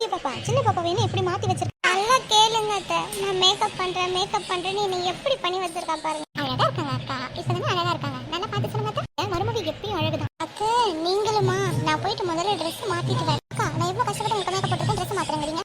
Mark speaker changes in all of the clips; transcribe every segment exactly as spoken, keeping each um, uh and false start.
Speaker 1: பாப்பா சின்ன பாப்பா வேணும் எப்படி மாத்தி வச்சிருக்க நல்லா கேளுங்க அத்தை. நான் மேக்கப் பண்றேன் மேக்கப் பண்றேன்னு என்னை எப்படி பண்ணி வச்சிருக்கா பாருங்க. அழகா இருக்காங்க அக்கா, இப்பதானே அழகா இருக்காங்க. நல்லா பார்த்து சொல்லுங்க அத்தை. என் மருமக எப்பயும் அழகுதான் அத்தை. நீங்களுமா? நான் போயிட்டு முதல்ல ட்ரெஸ் மாத்திட்டு வரேன் அக்கா. நான் எவ்வளவு கஷ்டப்பட்டு உங்களுக்கு மேக்கப் போட்டுருக்கேன், ட்ரெஸ் மாத்துறேங்கிறீங்க.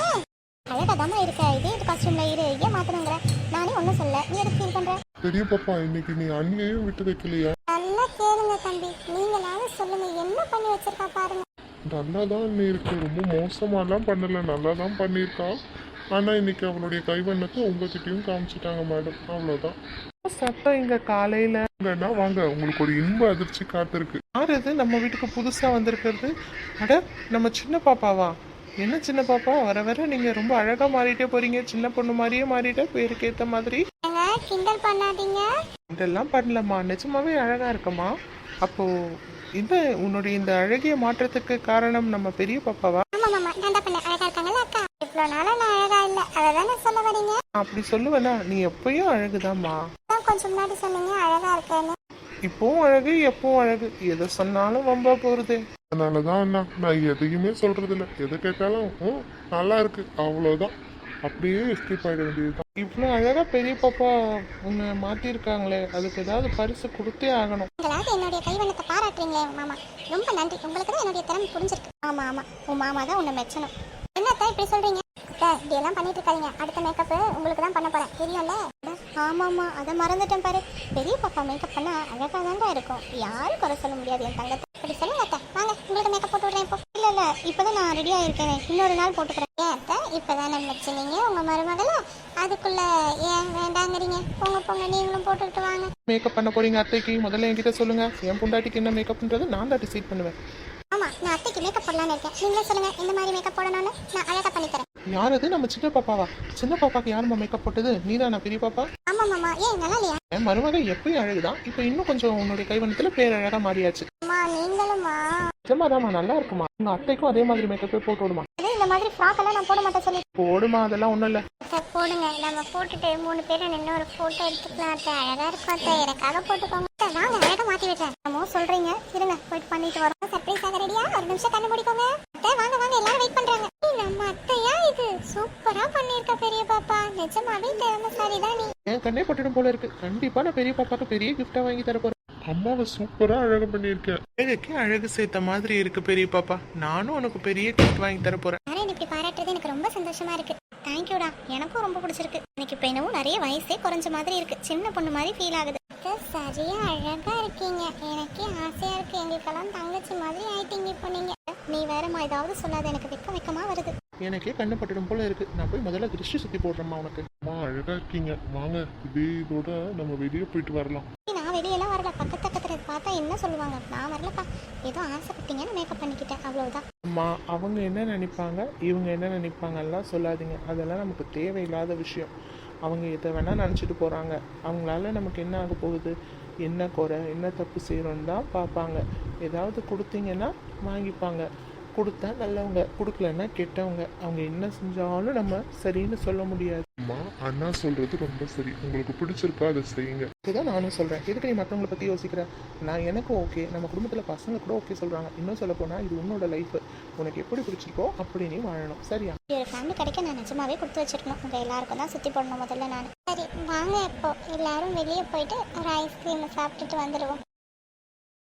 Speaker 1: அழகாதாமா இருக்க, இதே காஸ்டியூம்ல இரு, ஏன் மாத்தணுங்கிற? நானே ஒன்னும் சொல்ல, நீ எதுக்கு ஃபீல் பண்ற?
Speaker 2: பெரிய பாப்பா இன்னைக்கு நீ அண்ணியையும் விட்டு வைக்கலையா?
Speaker 1: நல்லா கேளுங்க தம்பி, நீங்களாவது சொல்லுங்க என்ன பண்ணி வச்சிருக்கா பாருங்க.
Speaker 2: நல்லா தான் அண்ணி இருக்கு, ரொம்ப மோசமாலாம் பண்ணல, நல்லா தான் பண்ணியிருக்கா. ஆனா இன்னைக்கு அவளுடைய கைவண்ணத்தை உங்ககிட்டயும் காமிச்சிட்டாங்க மேடம், அவ்வளோதான்.
Speaker 3: சத்தம் இங்க காலையில
Speaker 2: வாங்கன்னா வாங்க, உங்களுக்கு ஒரு இன்ப அதிர்ச்சி காத்திருக்கு.
Speaker 3: யார் இது நம்ம வீட்டுக்கு புதுசா வந்திருக்கிறது? அட நம்ம சின்ன பாப்பாவா? என்ன சின்ன பாப்பா, வர வர நீங்க ரொம்ப அழகா மாறிட்டே போறீங்க, சின்ன பொண்ணு மாதிரியே மாறிட்ட, பேருக்கு ஏத்த மாதிரி.
Speaker 1: கிண்டல் பண்ணாதீங்க.
Speaker 3: இதெல்லாம் பண்ணலம்மா, நிஜமாவே அழகா இருக்கம்மா. அப்போ இந்த உன்னுடைய இந்த அழகிய மாற்றத்துக்கு காரணம் நம்ம பெரிய பாப்பாவா?
Speaker 1: ஆமா மாமா, நான் தான் பண்ண. அழகா இருக்காங்கல்ல அக்கா? இவ்வளவு நாளா நான் அழகா இல்ல, அததானே சொல்ல வரீங்க?
Speaker 3: அப்படி சொல்லுவேனா? நீ எப்பயும் அழகுதாம்மா.
Speaker 1: கொஞ்சம் முன்னாடி சொன்னீங்க அழகா இருக்கேன்னு.
Speaker 3: இப்பவும் அழகு, எப்பவும் அழகு, எதை சொன்னாலும் வம்பா போறது.
Speaker 2: அதனாலதான் அண்ணா நான் எதையுமே சொல்றது இல்லை, எதை கேட்டாலும் ம், நல்லா இருக்கு அவ்வளோதான், அப்படியே எஸ்கேப் ஆகிட வேண்டியதுதான்.
Speaker 3: இவ்வளோ அழகா பெரிய பாப்பா உன்னை மாத்திருக்காங்களே, அதுக்கு ஏதாவது பரிசு கொடுத்தே ஆகணும்.
Speaker 1: நீங்களாவது என்னுடைய கைவண்ணத்தை பாராட்டுறீங்களே மாமா, ரொம்ப நன்றி. உங்களுக்கு தான் என்னுடைய திறமை புரிஞ்சிருக்கு. ஆமா ஆமா, உன் மாமா தான் உன்னை மெச்சணும். என்னத்தான் இப்படி சொல்றீங்க? இப்படி எல்லாம் பண்ணிட்டு இருக்காதீங்க, அடுத்த மேக்கப் உங்களுக்கு தான் பண்ண போறேன், தெரியும்ல? ஆமாம்மா, அதை மறந்துட்டேன் பாரு. பெரிய பாப்பா மேக்கப் பண்ணா அழகா தான்டா இருக்கும், யாரும் குறை சொல்ல முடியாது என் தங்கத்தை. அப்படி சொல்லுங்க அத்தை, வாங்க உங்களுக்கு மேக்கப் போட்டு விடுறேன் இப்போ. இல்ல இல்ல, இப்பதான் நான் ரெடியா இருக்கேன், இன்னொரு நாள் போட்டுக்கிறேன். ஏன் அத்தை, இப்பதானே வச்சுனீங்க உங்க மருமகள, அதுக்குள்ள ஏன் வேண்டாங்கிறீங்க? போங்க போங்க, நீங்களும் போட்டுக்கிட்டு வாங்க.
Speaker 3: மேக்கப் பண்ண போறீங்க அத்தைக்கு? முதல்ல என்கிட்ட சொல்லுங்க, என் பொண்டாட்டிக்கு என்ன மேக்கப்ன்றது நான் தான் டிசைட் பண்ணுவேன்.
Speaker 1: ஆமா, நான் அத்தைக்கு மேக்கப் போடலான்னு இருக்கேன், நீங்களே சொல்லுங்க இந்த மாதிரி மேக்கப் போடணும்னு, நான் அழகா பண்ணி தரேன்.
Speaker 3: யார் அது? நம்ம சின்ன பாப்பாவா? சின்ன பாப்பாக்கு யாருமா மேக்கப் போட்டது? நீதானா பெரிய பாப்பா?
Speaker 1: ஆமா மாமா, ஏன் நல்லா இல்லையா?
Speaker 3: என் மருமக எப்பயும் அழகுதான், இப்போ இன்னும் கொஞ்சம் உன்னுடைய கைவண்ணத்துல பேர் அழகா மாறியாச்சு.
Speaker 1: அம்மா நீங்களும்மா?
Speaker 3: நிஜமாதாம்மா, நல்லா இருக்குமா. உங்க அத்தைக்கும் அதே மாதிரி மேக்கப்பே போட்டு விடுமா.
Speaker 1: அதே இந்த மாதிரி ஃப்ராக் எல்லாம் நான் போட மாட்டேன் சொல்லி.
Speaker 3: போடுமா, அதெல்லாம் ஒண்ணும் இல்ல.
Speaker 1: அத்தை போடுங்க, நம்ம போட்டுட்டு மூணு பேரும் நின்று ஒரு போட்டோ எடுத்துக்கலாம் அத்தை. அழகா இருக்கும் அத்தை, எனக்காக போட்டுக்கோங்க அத்தை. வாங்க அழகா மாத்தி விடுறேன். நம்ம சொல்றீங்க, இருங்க போயிட்டு பண்ணிட்டு வரோம். சர்ப்ரைஸ் ஆக ரெடியா? ஒரு நிமிஷம் கண்ணு முடிக்கோங்க அத்தை. வாங்க வாங்க, எல்லாரும் வெயிட் பண்றாங்க. நம்ம அத்தையா இது? சூப்பரா பண்ணிருக்க பெரிய பாப்பா, நிஜமாவே திறமைசாலி தான் நீ.
Speaker 3: என் கண்ணே பட்டுடும் போல இருக்கு. கண்டிப்பா நான் பெரிய பாப்பாக்கு பெரிய கிஃப்டா வாங்கி தர போறேன்.
Speaker 2: அம்மாவை சூப்பரா அழகு பண்ணியிருக்கேன்.
Speaker 3: அழகுக்கு அழகு சேர்த்த மாதிரி இருக்கு பெரிய பாப்பா. நானும் உனக்கு பெரிய கிஃப்ட் வாங்கி தர போறேன்.
Speaker 1: யாரும் இப்படி பாராட்டுறது எனக்கு ரொம்ப சந்தோஷமா இருக்கு. தேங்க்யூடா, எனக்கும் ரொம்ப பிடிச்சிருக்கு. எனக்கு இப்ப என்னவும் நிறைய வயசே குறைஞ்ச மாதிரி இருக்கு, சின்ன பொண்ணு மாதிரி ஃபீல் ஆகுது. சரியா அழகா இருக்கீங்க, எனக்கே ஆசையா இருக்கு. எங்களுக்கெல்லாம் தங்கச்சி மாதிரி ஆயிட்டீங்க இப்போ நீங்க. நீ வேறமா ஏதாவது சொல்லாத, எனக்கு வெக்க வெக்கமா வருது.
Speaker 3: எனக்கே கண்ணு பட்டுடும் போல இருக்கு. நான் போய் முதல்ல திருஷ்டி சுத்தி போடுறேம்மா உனக்கு.
Speaker 2: அம்மா அழகா இருக்கீங்க, வாங்க இதே இதோட நம்ம வெளியே போயிட்டு வரலாம்.
Speaker 1: நான் வெளியெல்லாம் வரல, பக்கத்து பக்கத்துல பார்த்தா என்ன சொல்லுவாங்க? நான் வரலப்பா, ஏதோ ஆசைப்பட்டீங்கன்னு மேக்கப் பண்ணிக்கிட்டேன், அவ்வளவுதான்.
Speaker 3: அம்மா அவங்க என்ன நினைப்பாங்க, இவங்க என்ன நினைப்பாங்கலாம் சொல்லாதீங்க, அதெல்லாம் நமக்கு தேவையில்லாத விஷயம். அவங்க எதை வேணா நினச்சிட்டு போகிறாங்க. அவங்களால நமக்கு என்ன ஆக போகுது, என்ன குறை, என்ன தப்பு செய்கிறோன்னு தான் பார்ப்பாங்க. ஏதாவது கொடுத்தீங்கன்னா வாங்கிப்பாங்க, கொடுத்தா நல்லவங்க, கொடுக்கலன்னா கெட்டவங்க. அவங்க என்ன செஞ்சாலும் நம்ம சரின்னு சொல்ல முடியாது.
Speaker 2: அம்மா அண்ணா சொல்றது ரொம்ப சரி, உங்களுக்கு பிடிச்சிருக்கா அதை செய்யுங்க.
Speaker 3: இதுதான் நானும் சொல்கிறேன். எதுக்கு நீ மற்றவங்களை பற்றி யோசிக்கிற? நான் எனக்கும் ஓகே, நம்ம குடும்பத்தில் பசங்க கூட ஓகே சொல்கிறாங்க. இன்னும் சொல்ல போனால் இது உன்னோட லைஃப், உனக்கு எப்படி பிடிச்சிருக்கோ அப்படி நீ வாழணும், சரியா?
Speaker 1: ஒரு ஃபேமிலி கிடைக்க நான் நிஜமாவே கொடுத்து வச்சிருக்கணும். உங்கள் எல்லாருக்கும் தான் சுற்றி போடணும் முதல்ல நான். சரி வாங்க, இப்போ எல்லாரும் வெளியே போயிட்டு ஒரு ஐஸ்கிரீம் சாப்பிட்டுட்டு வந்துடுவோம்.